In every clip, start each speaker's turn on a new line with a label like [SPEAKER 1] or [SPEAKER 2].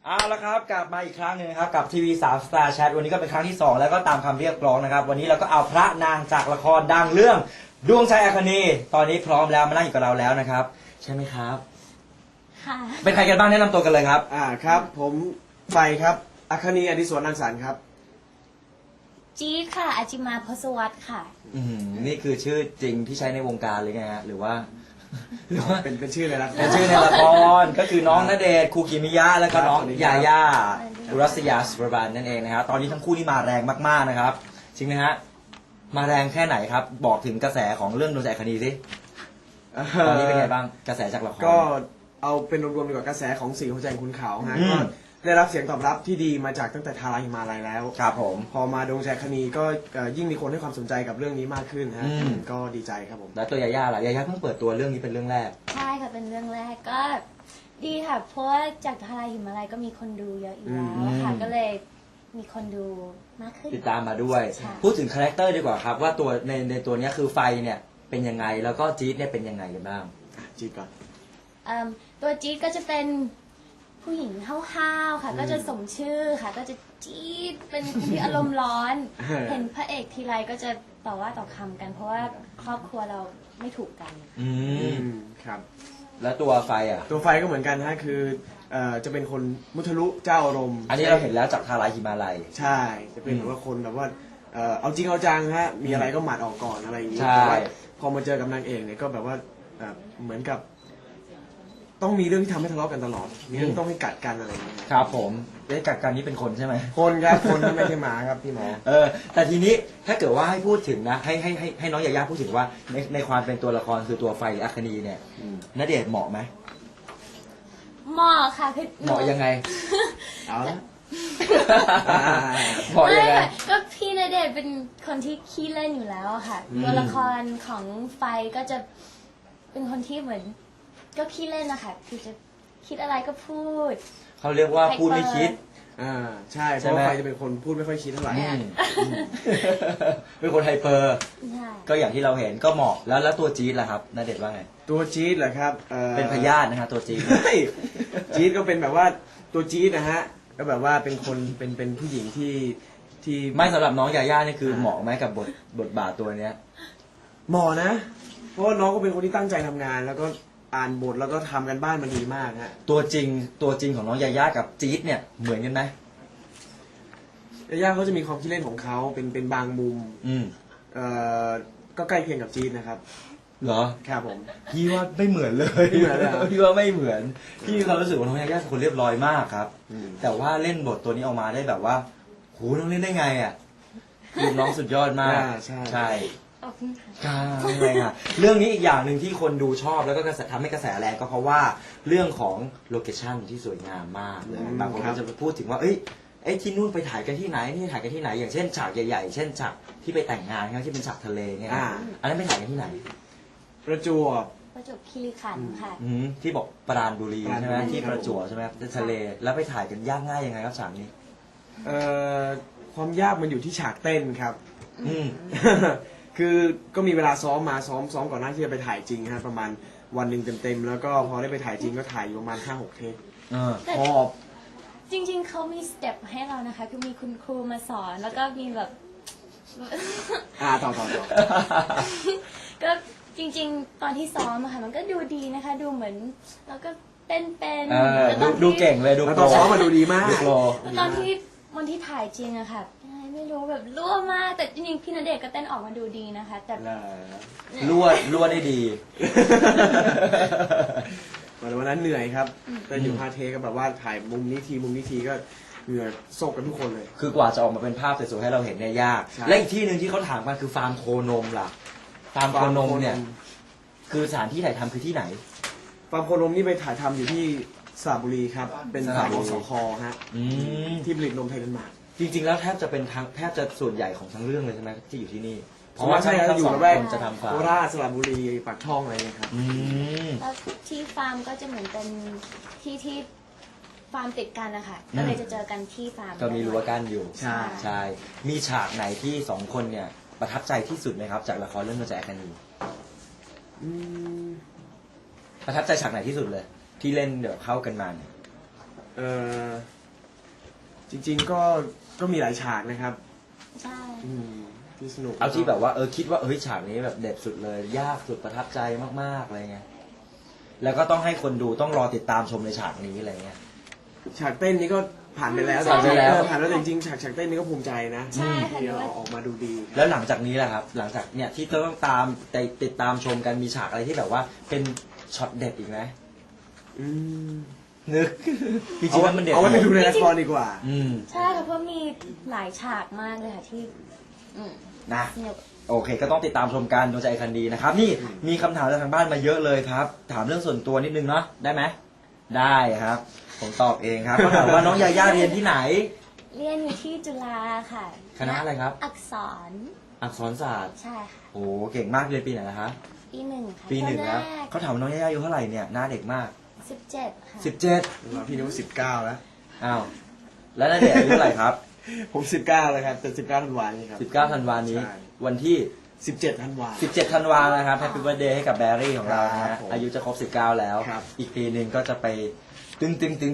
[SPEAKER 1] เอาละครับกลับมาอีกครั้งหนึ่งครับกับทีวี3 Star Chat วันนี้ก็เป็นครั้งที่2แล้วก็ตามคำเรียกร้องนะครับวันนี้เราก็เอาพระนางจากละครดังเรื่องดวงใจอัคนีตอนนี้พร้อมแล้วมานั่งอยู่กับเราแล้วนะครับใช่ไหมครับ
[SPEAKER 2] ค่ะ
[SPEAKER 1] เป็นใครกันบ้างแนะนำตัวกันเลยครับ
[SPEAKER 3] ครับผมไฟครับอัคนีอดิศวรนังสรรค์ครับ
[SPEAKER 2] จี๊ดค่ะอาจิมาพศวัตรค่ะ
[SPEAKER 1] นี่คือชื่อจริงที่ใช้ในวงการเลยไงฮะหรือว่า
[SPEAKER 3] เป็นชื่อเลยนะ
[SPEAKER 1] เป็นชื่อในละครก็คือน้องณเดชน์คูกิมิยะแล้วก็น้องยาย่าอุรัสยาสุรบานนั่นเองนะครับตอนนี้ทั้งคู่นี่มาแรงมากๆนะครับจริงไหมฮะมาแรงแค่ไหนครับบอกถึงกระแสของเรื่องดวงใจอัคนีสิตอนนี้เป็นไงบ้างกระแสจากละคร
[SPEAKER 3] ก็เอาเป็นรวมๆดีกว่ากระแสของสีหัวใจคุณเขาฮะก็ได้รับเสียงตอบรับที่ดีมาจากตั้งแต่ทาราหิมาลัยแล้ว
[SPEAKER 1] ครับผม
[SPEAKER 3] พอมาดวงใจอัคนีก็ยิ่งมีคนให้ความสนใจกับเรื่องนี้มากขึ้นฮะก็ดีใจครับผม
[SPEAKER 1] แล้วตัวยาย่าล่ะยาย่าเพิ่งเปิดตัวเรื่องนี้เป็นเรื่องแรก
[SPEAKER 2] ใช่ค่ะเป็นเรื่องแรกก็ดีค่ะเพราะว่าจากทาราหิมาลัยก็มีคนดูเยอะอยู่แล้วค่ะก็เลยมีคนดูมากขึ้น
[SPEAKER 1] ติดตามมาด้วยพูดถึงคาแรคเตอร์ดีกว่าครับว่าตัวในตัวนี้คือไฟเนี่ยเป็นยังไงแล้วก็จี๊ดเนี่ยเป็นยังไงกันบ้าง
[SPEAKER 3] จี๊ดก่อน
[SPEAKER 2] ตัวจี๊ดก็จะเป็นผู้หญิงห้าวๆค่ะก็จะสมชื่อค่ะก็จะจี๊ดเป็นคนที่อารมณ์ร้อน เห็นพระเอกทีไรก็จะต่อว่าต่อคำกันเพราะว่าครอบครัวเราไม่ถูกกัน
[SPEAKER 3] ครับ
[SPEAKER 1] แล้วตัวไฟอ่ะ
[SPEAKER 3] ตัวไฟก็เหมือนกันฮะคือจะเป็นคนมุทะลุเจ้าอารมณ์
[SPEAKER 1] อันนี้เราเห็นแล้วจากทาราหิมาลัย
[SPEAKER 3] ใช่จะเป็นแบบว่าคนแบบว่าเอาจริงเอาจังฮะมีอะไรก็หมัดออกก่อนอะไรอย่างนี้
[SPEAKER 1] แต่ว่า
[SPEAKER 3] พอมาเจอกับนางเอกเนี่ยก็แบบว่าเหมือนกับต้องมีเรื่องที่ทำให้ทะเลาะกันตลอดมีเรื่องต้องให้กัดกันอะไรอย่างเงี้ย
[SPEAKER 1] ครับผมได้กัดกันนี่เป็นคนใช่ไหม
[SPEAKER 3] คนครับคนไม่ใช่หมาครับพี่หมอ
[SPEAKER 1] แต่ทีนี้ถ้าเกิดว่าให้พูดถึงนะให้น้องยาย่าพูดถึงว่าในความเป็นตัวละครคือตัวไฟอัคนีเนี่ยณเดชน์เหมาะไหม
[SPEAKER 2] เหมาะค่ะพี่
[SPEAKER 1] เหมาะยังไง
[SPEAKER 3] เอาละ
[SPEAKER 1] เหมาะยังไง
[SPEAKER 2] ก็พี่ณเดชน์เป็นคนที่ขี้เล่นอยู่แล้วค่ะตัวละครของไฟก็จะเป็นคนที่เหมือนก็ขี้เล่นนะคะคือจะคิดอะไรก็พูด
[SPEAKER 1] เขาเรียกว่าพูดไม่คิด
[SPEAKER 3] ใช่เพราะไฟจะเป็นคนพูดไม่ค่อยคิดเท่าไหร่
[SPEAKER 1] เป็นคนไฮเปอร์ก็อย่างที่เราเห็นก็เหมาะแล้วตัวจี๊ดล่ะครับณเดชน์ว่าไง
[SPEAKER 3] ตัวจี๊ดเหรอครับ
[SPEAKER 1] เป็นพยาธินะฮะตัวจี๊ด
[SPEAKER 3] จี๊ดก็เป็นแบบว่าตัวจี๊ดนะฮะก็แบบว่าเป็นคนเป็นผู้หญิงที่
[SPEAKER 1] ไม่สำหรับน้องยาย่านี่คือเหมาะไหมกับบทบาทตัวเนี้ย
[SPEAKER 3] เหมาะนะเพราะว่าน้องก็เป็นคนที่ตั้งใจทำงานแล้วก็อ่านบทแล้วก็ทำกันบ้านมันดีมากฮะ
[SPEAKER 1] ตัวจริงของน้องยาย่ากับจี๊ดเนี่ยเหมือนกันไหม
[SPEAKER 3] ยาย่าเขาจะมีความคิดเล่นของเขาเป็นบางมุมก็ใกล้เคียงกับจี๊ดนะครับ
[SPEAKER 1] เหรอ
[SPEAKER 3] ครับผม
[SPEAKER 1] พี่ว่าไม่เหมือนเลยพี่ว่าไม่เหมือนพี่มีความรู้สึกว่าน้องยาย่าเป็นคนเรียบร้อยมากครับแต่ว่าเล่นบทตัวนี้ออกมาได้แบบว่าโหน้องเล่นได้ไงอ่ะคือน้องสุดยอดมากใช่อะไรอ่ะเรื่องนี้อีกอย่างหนึ่งที่คนดูชอบแล้วก็ทำให้กระแสแรงก็เพราะว่าเรื่องของโลเคชั่นที่สวยงามมากเลยบางคนก็จะพูดถึงว่าที่นู่นไปถ่ายกันที่ไหนนี่ถ่ายกันที่ไหนอย่างเช่นฉากใหญ่ๆเช่นฉากที่ไปแต่งงานที่เป็นฉากทะเลเงี้ยอันนั้นไปถ่ายกันที่ไหน
[SPEAKER 3] ประจวบ
[SPEAKER 2] คีรีขันธ์ค่ะ
[SPEAKER 1] ที่บอกปราณบุรีใช่ไหมที่ประจวบใช่ไหมทะเลแล้วไปถ่ายกันยากง่ายยังไงครับฉากนี้
[SPEAKER 3] ความยากมันอยู่ที่ฉากเต้นครับคือก็มีเวลาซ้อมก่อนหน้าที่จะไปถ่ายจริงฮะประมาณวันหนึ่งเต็มๆแล้วก็พอได้ไปถ่ายจริงก็ถ่ายอยู่ประมาณ 5-6 เทปพอ
[SPEAKER 2] จริงๆเขามีสเต็ปให้เรานะคะคือมีคุณครูมาสอนแล้วก็มีแบบ
[SPEAKER 3] ต่อ
[SPEAKER 2] ก็จริงๆตอนที่ซ้อมอะค่ะมันก็ดูดีนะคะดูเหมือนแล้วก็เต้นเป็น
[SPEAKER 1] ดูเก่งเลยดู
[SPEAKER 3] ตอนซ้อมมาดูดีมาก
[SPEAKER 2] ตอนที่วันที่ถ่ายจริงอะค่ะไม่รู้แบบรั่วมากแต่จริงๆพี่ณเดชน์ก็เต้นออกมาดูดีนะคะแต่
[SPEAKER 1] รั่วได้ดี
[SPEAKER 3] วันนั้นเหนื่อยครับแต่อยู่5 เทก็แบบว่าถ่ายมุมนี้ทีก็เหนื่อยโศกกันทุกคนเลย
[SPEAKER 1] คือกว่าจะออกมาเป็นภาพสวยๆให้เราเห็นเนี่ยยากและอีกที่หนึ่งที่เขาถามกันคือฟาร์มโคนมล่ะฟาร์มโคนมเนี่ยคือสถานที่ถ่ายทำคือที่ไหน
[SPEAKER 3] ฟาร์มโคนมนี่ไปถ่ายทำอยู่ที่สระบุรีครับเป็นสถานสคฮะที่ผลิตนมไทยเดนมาร์ก
[SPEAKER 1] จริงๆแล้วแทบจะส่วนใหญ่ของทั้งเรื่องเลยใช่ไหมที่อยู่ที่นี่
[SPEAKER 3] เพราะว่าใช่ครับอยู่ระแวกโคราชสระบุรีปากช่องอะไรเนี่ยครับ
[SPEAKER 2] แล้วที่ฟาร์มก็จะเหมือนเป็นที่ฟาร์มติดกันนะคะก็เลยจะเจอกันที่ฟาร์ม
[SPEAKER 1] ก็มีรั้วกั้นอยู่
[SPEAKER 3] ใช่
[SPEAKER 1] มีฉากไหนที่2 คนเนี่ยประทับใจที่สุดไหมครับจากละครเรื่องดวงใจอัคนีประทับใจฉากไหนที่สุดเลยที่เล่นเดี๋ยวเข้ากันมาเนี่ย
[SPEAKER 3] จริงๆก็มีหลายฉากนะครับ
[SPEAKER 2] ใช่
[SPEAKER 3] ที่สนุก
[SPEAKER 1] เอาที่แบบว่าคิดว่าฉากนี้แบบเด็ดสุดเลยยากสุดประทับใจมากๆอะไรเงี้ยแล้วก็ต้องให้คนดูต้องรอติดตามชมในฉากนี้อะไรเงี้ย
[SPEAKER 3] ฉากเต้นนี้ก็ผ่านไปแล้ว
[SPEAKER 1] ผ่านไปแล้ว
[SPEAKER 3] ผ่านแล้วแต่จริงๆฉากเต้นนี้ก็ภูมิใจนะ
[SPEAKER 2] ใช่ค่ะ
[SPEAKER 3] ที่เอาออกมาดูดี
[SPEAKER 1] แล้วหลังจากนี้แหละครับ หลังจากเนี่ยที่ต้องติดตามชมกันมีฉากอะไรที่แบบว่าเป็นช็อตเด็ดอีกไหม
[SPEAKER 3] อืม
[SPEAKER 1] นึกจริงๆแล้วมันเด็ด
[SPEAKER 3] เอาไว้ไปดูในละครดีกว่า
[SPEAKER 2] ใช่ค่ะเพราะมีหลายฉากมากเลยค่ะที่
[SPEAKER 1] นะ
[SPEAKER 2] สนุก
[SPEAKER 1] โอเค ก็ต้องติดตามชมกันดวงใจคันดีนะครับ นี่มีคำถามจากทางบ้านมาเยอะเลยครับ ถามเรื่องส่วนตัวนิดนึงเนาะได้ไหมได้ครับ ผมตอบเองครับเขาถามว่าน้องยาย่าเรียนที่ไหน
[SPEAKER 2] เรียนอยู่ที่จุฬาค่ะ
[SPEAKER 1] คณะอะไรครับ
[SPEAKER 2] อักษร
[SPEAKER 1] อักษรศาสตร์
[SPEAKER 2] ใช่ค่ะ
[SPEAKER 1] โอ้เก่งมากเรียนปีไหนนะคะ
[SPEAKER 2] ปีหนึ่งค่ะ
[SPEAKER 1] ปีหนึ่งแล้ว
[SPEAKER 2] ตอนแรก
[SPEAKER 1] เขาถามว่าน้องยาย่าอายุเท่าไหร่เนี่ยหน้าเด็กมาก
[SPEAKER 2] 17 ค่ะ
[SPEAKER 1] 17
[SPEAKER 3] พี่นุ้ย19 แล้ว
[SPEAKER 1] อ้าวแล้วนาเดชน์อายุเท่าไหร่ครับ
[SPEAKER 3] ผม19แล้วครับแต่19ธันวาคมนี้ครับ
[SPEAKER 1] 19 ธันวานี้
[SPEAKER 3] ใช่
[SPEAKER 1] วันที่
[SPEAKER 3] 17ธันวาคม
[SPEAKER 1] 17 ธันวานะครับแฮปปี้เบิร์ดเดย์ให้กับแบรี่ของเรานะ
[SPEAKER 3] ครั
[SPEAKER 1] ฮะ
[SPEAKER 3] บผม
[SPEAKER 1] อายุจะครบ 19 แล้ว
[SPEAKER 3] ครับ
[SPEAKER 1] อีกปีหนึ่งก็จะไปตึง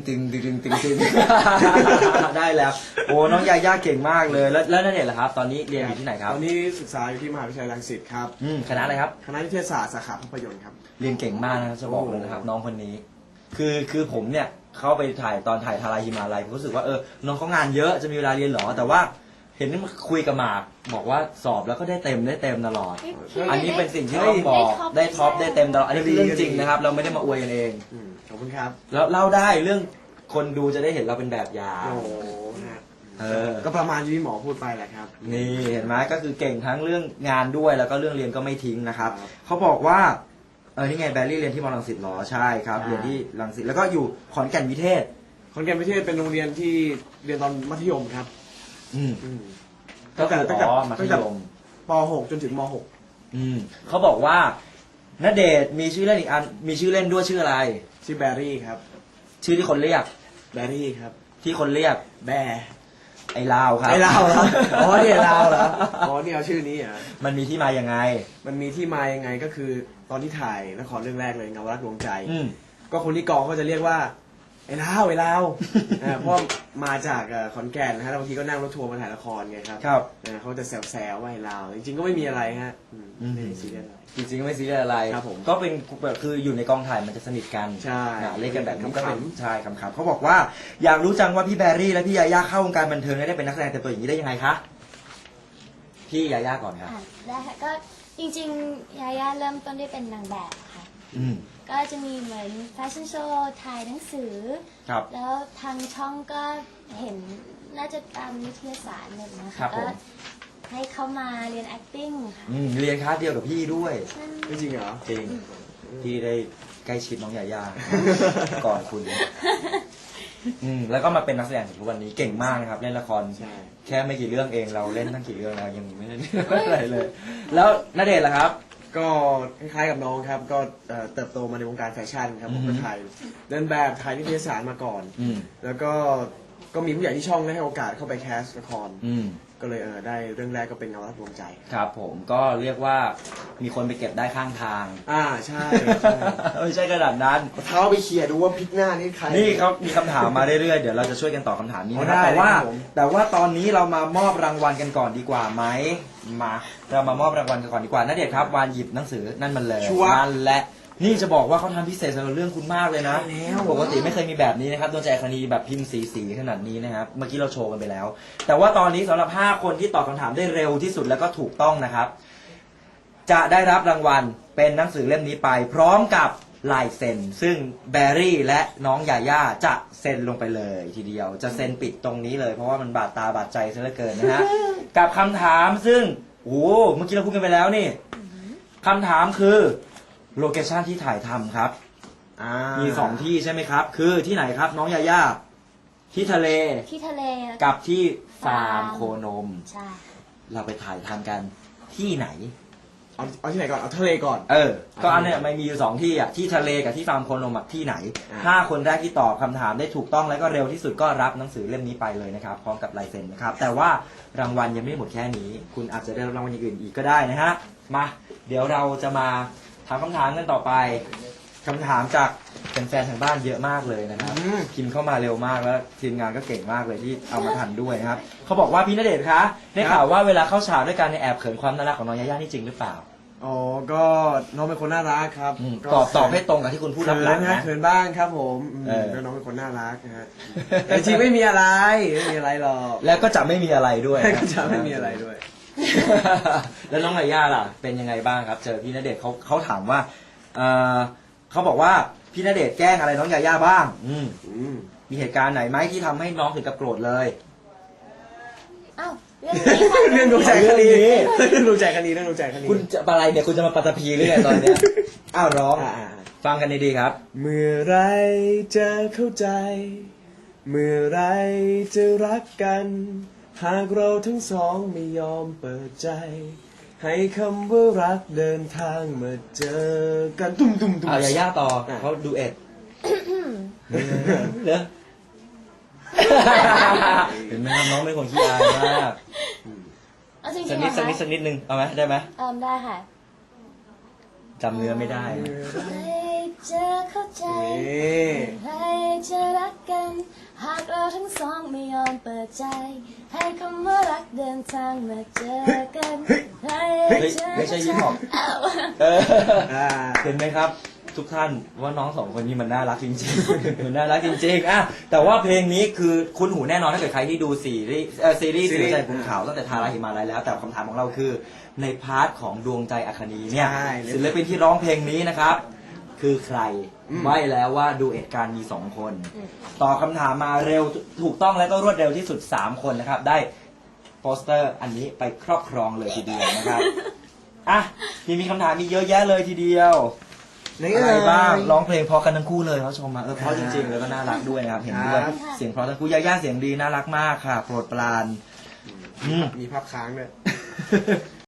[SPEAKER 1] ได้แล้ว โอ้น้องยาย่าเก่งมากเลยแล้วนาเดชน์ล่ะครับ ตอนนี้เรียนอยู่ที่ไหนครับ
[SPEAKER 3] ตอนนี้ศึกษาอยู่ที่มหาวิทยาลัยรังสิตครับ
[SPEAKER 1] คณะอะไรครับ
[SPEAKER 3] คณะนิเทศศาสตร์สาขาภาพยนตร์ครับ
[SPEAKER 1] เรียนเก่งมากนะครับจะบอกเลยนะครับ น้องคนนี้ คือผมเนี่ยเข้าไปถ่ายตอนถ่ายทาราฮิมาลัยผมรู้สึกว่าน้องเขางานเยอะจะมีเวลาเรียนเหรอแต่ว่าเห็นคุยกับหมากบอกว่าสอบแล้วก็ได้เต็มตลอด อันนี้เป็นสิ่งที่ต้องบอกได้ท็อปได้เต็มตลอดอันนี้คือเรื่องจริงนะครับ เราไม่ได้มาอวยกันเอง
[SPEAKER 3] ขอบคุณครับ
[SPEAKER 1] แล้วเล่าได้เรื่องคนดูจะได้เห็นเราเป็นแบบอย่าง
[SPEAKER 3] โอ้โหนะ
[SPEAKER 1] ก็
[SPEAKER 3] ก็ประมาณที่หมอพูดไปแหละครับ
[SPEAKER 1] นี่เห็นไหมก็คือเก่งทั้งเรื่องงานด้วยแล้วก็เรื่องเรียนก็ไม่ทิ้งนะครับ
[SPEAKER 3] ครับ
[SPEAKER 1] เขาบอกว่านี่ไงแบรี่เรียนที่มอรังสิตเหรอใช่ครับ
[SPEAKER 3] ใช่
[SPEAKER 1] เรียนที่รังสิตแล้วก็อยู่ขอนแก่นวิเทศ
[SPEAKER 3] ขอนแก่นวิเทศเป็นโรงเรียนที่เรียนตอนมัธยมครับ
[SPEAKER 1] อืม
[SPEAKER 3] อืม
[SPEAKER 1] ก็คือ
[SPEAKER 3] ตั้งแต่
[SPEAKER 1] มัธยม
[SPEAKER 3] ป .6 จนถึงม
[SPEAKER 1] เขาบอกว่าณเดชน์มีชื่อเล่นอีกอันมีชื่อเล่นด้วยชื่ออะไร
[SPEAKER 3] .6 ชื่อแบรี่ครับ
[SPEAKER 1] ชื่อที่คนเรียก
[SPEAKER 3] แบรี่ครับ
[SPEAKER 1] ที่คนเรียก
[SPEAKER 3] แบร์
[SPEAKER 1] ไอ้ลาวครับ
[SPEAKER 3] ไอ้ลาวเหรออ๋อเนี่ยลาวเหรออ๋อนี่เอาชื่อนี้เหรอ
[SPEAKER 1] มันมีที่มายังไง
[SPEAKER 3] มันมีที่มายังไงก็คือตอนที่ถ่ายละครเรื่องแรกเลยเงารักดวงใจ
[SPEAKER 1] อืม
[SPEAKER 3] ก็คนที่กองเขาจะเรียกว่าไอ้ลาวไอ้ลาว เพราะมาจากขอนแก่นนะฮะแล้วบางทีก็นั่งรถทัวร์มาถ่ายละครไงครับ
[SPEAKER 1] ครับ
[SPEAKER 3] เขาจะแซวๆว่าไอ้ลาวจริงๆก็ไม่มีอะไรฮะไม่ได้ซีเรียสอะไร
[SPEAKER 1] จริงๆก็ไม่ซีเรียสอะไร
[SPEAKER 3] ครับผม
[SPEAKER 1] ก็เป็นแบบคืออยู่ในกองถ่ายมันจะสนิทกัน
[SPEAKER 3] ใช่
[SPEAKER 1] เล่นกันแบบนี้ก็เป็น
[SPEAKER 3] ขำๆ
[SPEAKER 1] ใช่คำๆเขาบอกว่าอยากรู้จังว่าพี่แบรี่และพี่ยาย่าเข้าวงการบันเทิงได้เป็นนักแสดงเต็มตัวอย่างนี้ได้ยังไงคะพี่ยาย่าก่อนครับ
[SPEAKER 2] ได้ค่ะก็จริงๆยาย่าเริ่มต้นได้เป็นนางแบบค่ะ
[SPEAKER 1] อืม
[SPEAKER 2] ก็จะมีเหมือนแฟชั่นโชว์ถ่ายหนังสือ
[SPEAKER 1] ครับ
[SPEAKER 2] แล้วทางช่องก็เห็นน่าจะตามนิตยสารแบบนะ
[SPEAKER 1] ครั
[SPEAKER 2] คะ
[SPEAKER 1] บผม
[SPEAKER 2] ก็ให้เขามาเรียน acting ค่ะ
[SPEAKER 1] เรียนคลาสเดียวกับพี่ด้วย
[SPEAKER 3] ไม่จริงเหรอ
[SPEAKER 1] จริงพี่ได้ใกล้ชิดน้องยาย่า ก่อนคุณแล้วก็มาเป็นนักแสดงถึงทุกวันนี้เก่งมากนะครับเล่นละคร
[SPEAKER 3] ใช่
[SPEAKER 1] แค่ไม่กี่เรื่องเองเราเล่นตั้งกี่เรื่องแล้วยังไม่ได้อะไรเลย แล้วณเดชน์ล่ะครับ
[SPEAKER 3] ก็คล้ายๆกับน้องครับ ก็เติบโตมาในวงการแฟชั่นครับผม
[SPEAKER 1] อื
[SPEAKER 3] ก็
[SPEAKER 1] อฮึ
[SPEAKER 3] ถ่ายเดินแบบถ่ายนิตยสารมาก่อน
[SPEAKER 1] อืม
[SPEAKER 3] แล้วก็มีผู้ใหญ่ที่ช่องได้ให้โอกาสเข้าไปแคสละคร
[SPEAKER 1] อืม
[SPEAKER 3] ก็เลยได้เรื่องแรกก็เป็นเงารักดวงใจ
[SPEAKER 1] ครับผมก็เรียกว่ามีคนไปเก็บได้ข้างทาง
[SPEAKER 3] ใช่ใช่
[SPEAKER 1] ไม่ใช่ขนาดนั้น
[SPEAKER 3] เอาเท้าไปเขี่ยดูว่าพลิกหน้านี่ใคร
[SPEAKER 1] นี่เขามีคำถามมาเรื่อยๆ เดี๋ยวเราจะช่วยกันตอบคำถามนี้นะค
[SPEAKER 3] ได้
[SPEAKER 1] รับ
[SPEAKER 3] เลย
[SPEAKER 1] แต่ว่า
[SPEAKER 3] ครับผม
[SPEAKER 1] ตอนนี้เรามามอบรางวัลกันก่อนดีกว่าไหมมาเรามามอบรางวัลกันก่อนดีกว่าณเดชน์ครับวานหยิบหนังสือนั่นมันเลย
[SPEAKER 3] ชัวร์
[SPEAKER 1] นั่นแหละนี่จะบอกว่าเขาทำพิเศษสำหรับเรื่องคุณมากเลยนะ
[SPEAKER 3] ใช่แล้ว
[SPEAKER 1] ปกติไม่เคยมีแบบนี้นะครับดวงใจคณีแบบพิมพ์สีขนาดนี้นะครับเมื่อกี้เราโชว์กันไปแล้ว แต่ว่าตอนนี้สำหรับ5คนที่ตอบคำถามได้เร็วที่สุดแล้วก็ถูกต้องนะครับ จะได้รับรางวัลเป็นหนังสือเล่มนี้ไป พร้อมกับลายเซ็นซึ่งแบรี่และน้องยาย่าจะเซ็นลงไปเลยทีเดียวจะเซ็นปิดตรงนี้เลยเพราะว่ามันบาดตาบาดใจซะเหลือเกินนะฮะ กับคำถามซึ่งโอ้โหเมื่อกี้เราพูดกันไปแล้วนี่คำถามคือโลเคชั่นที่ถ่ายทำครับ มี2ที่ใช่ไหมครับ คือที่ไหนครับน้องยาย่าที่ทะเล
[SPEAKER 2] ที่ทะเลแล้ว
[SPEAKER 1] กับที่ฟาร์มโคนม
[SPEAKER 2] ใช่
[SPEAKER 1] เราไปถ่ายทำกันที่ไหน
[SPEAKER 3] เอาที่ไหนก่อน เอาทะเลก่อน
[SPEAKER 1] ก็อันเนี้ยมันมีอยู่2ที่อ่ะที่ทะเลกับที่ฟาร์มโคนมอ่ะที่ไหน 5 คนแรกที่ตอบคำถามได้ถูกต้องและก็เร็วที่สุดก็รับหนังสือเล่มนี้ไปเลยนะครับพร้อมกับลายเซ็นนะครับแต่ว่ารางวัลยังไม่หมดแค่นี้ คุณอาจจะได้รับรางวัลอย่างอื่นอีกก็ได้นะฮะมาเดี๋ยวเราจะมาถามคำถามกันต่อไปคำถามจากเป็นแฟนทางบ้านเยอะมากเลยนะครับ
[SPEAKER 3] อืม
[SPEAKER 1] พิมพ์เข้ามาเร็วมากแล้วทีมงานก็เก่งมากเลยที่เอามาทันด้วยนะครับเขาบอกว่าพี่ณเดชน์คะได้ข่าวว่าเวลาเข้าฉากด้วยกันในยแอบเขินความน่ารักของน้องยาย่านี่จริงหรือเปล่า
[SPEAKER 3] อ๋อก็น้องเป็นคนน่ารักครับก็
[SPEAKER 1] ตอบให้ตรงกับที่คุณพูดรับหลังนะ
[SPEAKER 3] เขินบ้างครับผมอืม
[SPEAKER 1] เออ
[SPEAKER 3] ก็น้องเป็นคนน่ารักนะฮะแต่จริงไม่มีอะไรไม่มีอะไรหรอก
[SPEAKER 1] แล้วก็จะไม่มีอะไรด้วย
[SPEAKER 3] ก็จะไม่มีอะไรด้วย
[SPEAKER 1] แล้วน้องยาย่าล่ะเป็นยังไงบ้างครับ เจอพี่ณเดชน์เขาถามว่าเขาบอกว่าพี่ณเดชน์แกล้งอะไรน้องยาย่าบ้าง มีเหตุการณ์ไหนไหมที่ทำให้น้องถึงกับโกรธเลย
[SPEAKER 2] อ้าวเรื่องนี้ค่ะ
[SPEAKER 3] เรื่องดูใจคดี
[SPEAKER 1] เรื่องนี้
[SPEAKER 3] เรื่องดูใจคดีเรื่องดูใจคดี
[SPEAKER 1] คุณจะอะไรเนี่ยคุณจะมาปัตตภีหรือไงตอนเนี้ย อ้าวร้อง
[SPEAKER 3] อ่า
[SPEAKER 1] ฟังกันดีๆครับ
[SPEAKER 3] เมื่อไรจะเข้าใจ เมื่อไรจะรักกัน หากเราทั้งสองไม่ยอมเปิดใจ ให้คำว่ารักเดินทางมาเจอกันตุ้มตุ้มตุ้ม
[SPEAKER 1] เอายาย่าต่อ
[SPEAKER 3] อ่ะ
[SPEAKER 1] เขาดูเอ็ดเนอะเห็นไหมครับน้องเป็นคนขี้อายมาก
[SPEAKER 2] เอาจริงๆ
[SPEAKER 1] สัก
[SPEAKER 2] เหร
[SPEAKER 1] นิ
[SPEAKER 2] อ
[SPEAKER 1] ด
[SPEAKER 2] คะ
[SPEAKER 1] สักนิดนึงเอาไหมได้ไหม
[SPEAKER 2] ได้ค่ะ
[SPEAKER 1] จำเนื้อไม่ได้
[SPEAKER 2] ให้เจอเข้าใจ
[SPEAKER 3] นี่
[SPEAKER 2] ให้จะรักกัน หากเราทั้งสองไม่ยอมเปิดใจ ให้คำว่ารักเดินทางมาเจอกันให้
[SPEAKER 1] เฮ้ย
[SPEAKER 2] เจอ
[SPEAKER 1] ไม่ใช่ฮิปฮอป
[SPEAKER 2] อ้าว
[SPEAKER 1] เออ
[SPEAKER 3] อ่า
[SPEAKER 1] เห็นไหมครับ ทุกท่านว่าน้องสองคนนี้มันน่ารักจริงๆ มันน่ารักจริงๆอ่ะแต่ว่าเพลงนี้คือคุ้นหูแน่นอนถ้าเกิดใครที่ดูซีรีส์สื่อใจคุณข่าวตั้งแต่ทาราหิมาลัยแล้ว แต่คำถามของเราคือในพาร์ทของดวงใจอัคนีเนี่ย
[SPEAKER 3] ใช่
[SPEAKER 1] ศิลปินที่ร้องเพลงนี้นะครับ คือใครใบ้แล้วว่าดูเอ็ดการมี2คนตอบคำถามมาเร็วถูกต้องและก็รวดเร็วที่สุด3คนนะครับได้โปสเตอร์อันนี้ไปครอบครองเลยทีเดียวนะครับอ่ะมีคำถามมีเยอะแยะเลยทีเดียวอะไรบ้างร้องเพลงเพราะกันทั้งคู่เลยเขาชมมาเพราะจริงๆแล้วก็น่ารักด้วยนะครับเห็นด้วยเสียงเพราะทั้งคู่ย่าเสียงดีน่ารักมากค่ะโปรดปราน
[SPEAKER 3] มีภาพค้างด้วย